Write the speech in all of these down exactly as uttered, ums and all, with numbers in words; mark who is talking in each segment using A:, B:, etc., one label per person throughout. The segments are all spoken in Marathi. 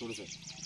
A: थोडंसं.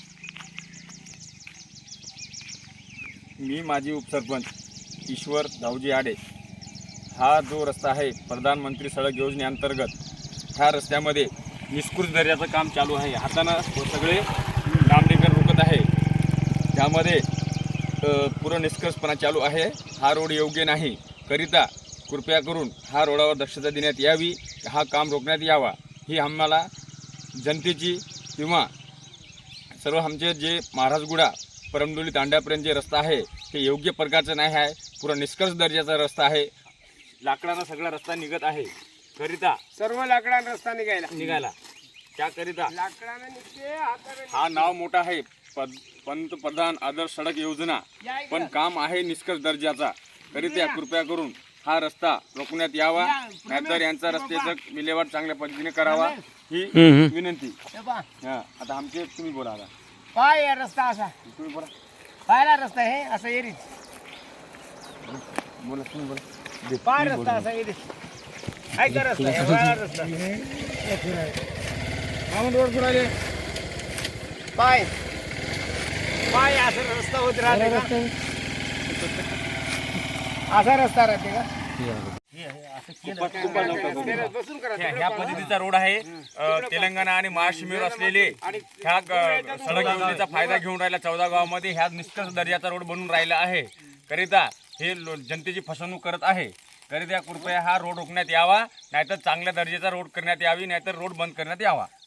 A: मी माजी उपसरपंच ईश्वर दाऊजी आडे. हा जो रस्ता आहे प्रधानमंत्री सडक योजनेअंतर्गत, ह्या रस्त्यामध्ये निष्कृत दर्जाचं काम चालू आहे. हातानं सगळे डांबरीकरण रोखत आहे. त्यामध्ये पुरं निष्कर्षपणा चालू आहे. हा रोड योग्य नाही करिता कृपया करून हा रोडावर दक्षता देण्यात यावी, हा काम रोखण्यात यावा. ही आम्हाला जनतेची किंवा सर्व आमचे जे महाराजगुडा परमडोली तांड्यापर्यंत जे रस्ता आहे ते योग्य प्रकारचं नाही आहे. पुरा निष्कर्ष दर्जाचा रस्ता आहे. लाकडानं सगळा रस्ता निघत आहे करिता
B: सर्व लाकडानं रस्ता निघायला
A: निघाला त्याकरिता
B: लाकडानं निघते हाताने
A: हा नाव मोठा आहे पद पंतप्रधान आदर्श सडक योजना, पण काम आहे निष्कर्ष दर्जाचा. करिता कृपया करून हा रस्ता रोखण्यात यावा, नाहीतर यांचा रस्त्याचं विल्हेवाट चांगल्या पद्धतीने करावा ही विनंती. हा आता आमचे तुम्ही बोला. आता
B: पाय या रस्ता असा
A: तुम्ही बोला.
B: पायला रस्ता हे असं येरीच
A: बोला तुम्ही बोला.
B: पाय रस्ता असा येरीच काय का रस्ता हे वाळा रस्ता रोड पुराले पाय पाय असं रस्ता होत राहते का? असा रस्ता राहते का? बसून करा.
A: ह्या पद्धतीचा रोड आहे. अ, तेलंगणा आणि महाराष्ट्र मिळून असलेले ह्या ग- सडक योजनेचा फायदा घेऊन राहिला. चौदा गावामध्ये ह्या निष्कर्ष दर्जाचा रोड बनून राहिला आहे. करिता हे लो- जनतेची फसवणूक करत आहे. करिता कृपया हा रोड रोखण्यात यावा, नाहीतर चांगल्या दर्जाचा रोड करण्यात यावी, नाहीतर रोड बंद करण्यात यावा.